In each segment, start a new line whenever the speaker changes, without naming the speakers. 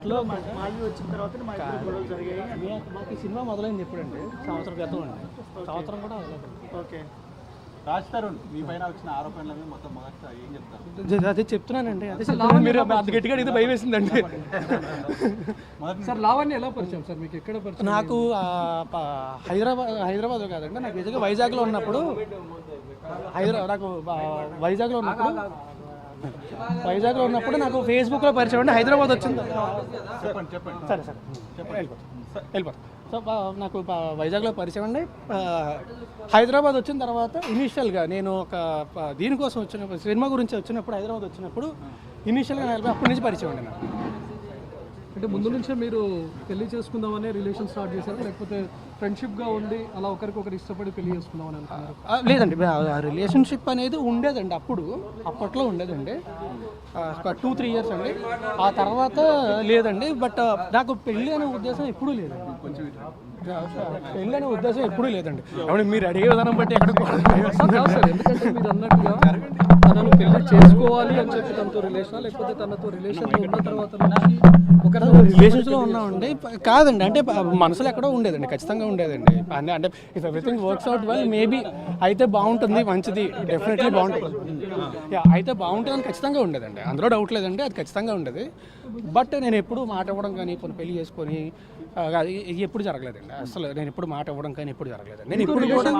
మాల్వి వచ్చిన తర్వాత మా ఇద్దరు గొడవలు జరిగాయి.
మాకు ఈ సినిమా మొదలైంది ఎప్పుడండి? సంవత్సరం క్రితం అండి. సంవత్సరం కూడా అవ్వలేదు.
ఓకే,
రాజ్ తరుణ్ మీ పైన వచ్చిన ఆరోపణలు మొత్తం మొదట ఏం చెప్తారు?
అదే చెప్తున్నానండి. అదే చెప్తున్నాను. మీరు అంత గట్టిగా అడిగితే భయం వేసిందండి.
సార్ లావణ్య ఎలా పరిచయం సార్ మీకు? ఎక్కడ పరిచయం?
నాకు హైదరాబాద్ కాదండి, నాకు నిజంగా వైజాగ్లో ఉన్నప్పుడు నాకు వైజాగ్లో ఉన్నప్పుడు నాకు ఫేస్బుక్లో పరిచయం అండి. హైదరాబాద్ వచ్చింది.
చెప్పండి.
సరే వెళ్ళిపోతాం. సో నాకు వైజాగ్లో పరిచయం అండి. హైదరాబాద్ వచ్చిన తర్వాత ఇనీషియల్గా నేను ఒక దీనికోసం వచ్చినప్పుడు, సినిమా గురించి వచ్చినప్పుడు హైదరాబాద్ వచ్చినప్పుడు ఇనీషియల్గా అప్పటి నుంచి పరిచయం అండి నాకు.
అంటే ముందు నుంచే మీరు పెళ్లి చేసుకుందామనే రిలేషన్ స్టార్ట్ చేశారా, లేకపోతే ఫ్రెండ్షిప్గా ఉండి అలా ఒకరికొకరు ఇష్టపడి పెళ్లి చేసుకుందామని అనుకున్నారు?
లేదండి, రిలేషన్షిప్ అనేది ఉండేదండి. అప్పట్లో ఉండేదండి, ఒక 2-3 ఇయర్స్ అండి. ఆ తర్వాత లేదండి. బట్ నాకు పెళ్ళి అనే ఉద్దేశం ఎప్పుడూ లేదండి. పెళ్ళి అనే ఉద్దేశం ఎప్పుడూ లేదండి. అవును, మీరు అడిగే విధానం బట్టి ఎక్కడికి
ఎందుకంటే మీరు అన్నట్టుగా తనను పెళ్లి చేసుకోవాలి అని చెప్పి తనతో రిలేషన్, లేకపోతే తనతో రిలేషన్లో ఉన్న తర్వాత ఒకరి
రిలేషన్స్లో ఉన్నామండి. కాదండి, అంటే మనసులో ఎక్కడో ఉండేదండి, ఖచ్చితంగా ఉండేదండి. అంటే if everything works out well maybe అయితే బాగుంటుంది, మంచిది, డెఫినెట్లీ బాగుంటుంది, అయితే బాగుంటుందని ఖచ్చితంగా ఉండేదండి. అందులో డౌట్ లేదండి, అది ఖచ్చితంగా ఉండేది. బట్ నేను ఎప్పుడు మాట ఇవ్వడం కానీ, కొన్ని పెళ్లి చేసుకొని అది ఎప్పుడు జరగలేదండి. అసలు నేను ఎప్పుడు మాట ఇవ్వడం కానీ ఎప్పుడు జరగలేదు. నేను ఇప్పుడు కూడా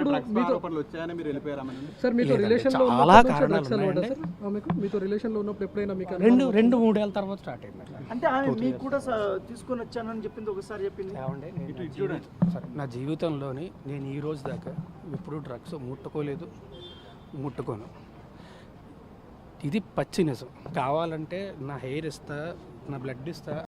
చాలా కారణాలు మీతో రిలేషన్లో ఉన్నప్పుడు ఎప్పుడైనా మీకు
2-3 ఏళ్ళ తర్వాత స్టార్ట్ అయింది.
అంటే ఆయన మీకు కూడా తీసుకొని వచ్చానని చెప్పింది ఒకసారి చెప్పింది.
సరే, నా జీవితంలోని నేను ఈ రోజు దాకా ఎప్పుడు డ్రగ్స్ ముట్టుకోలేదు, ముట్టుకోను. ఇది పచ్చి నిజం. కావాలంటే నా హెయిర్ ఇస్తా, నా బ్లడ్ ఇస్తా,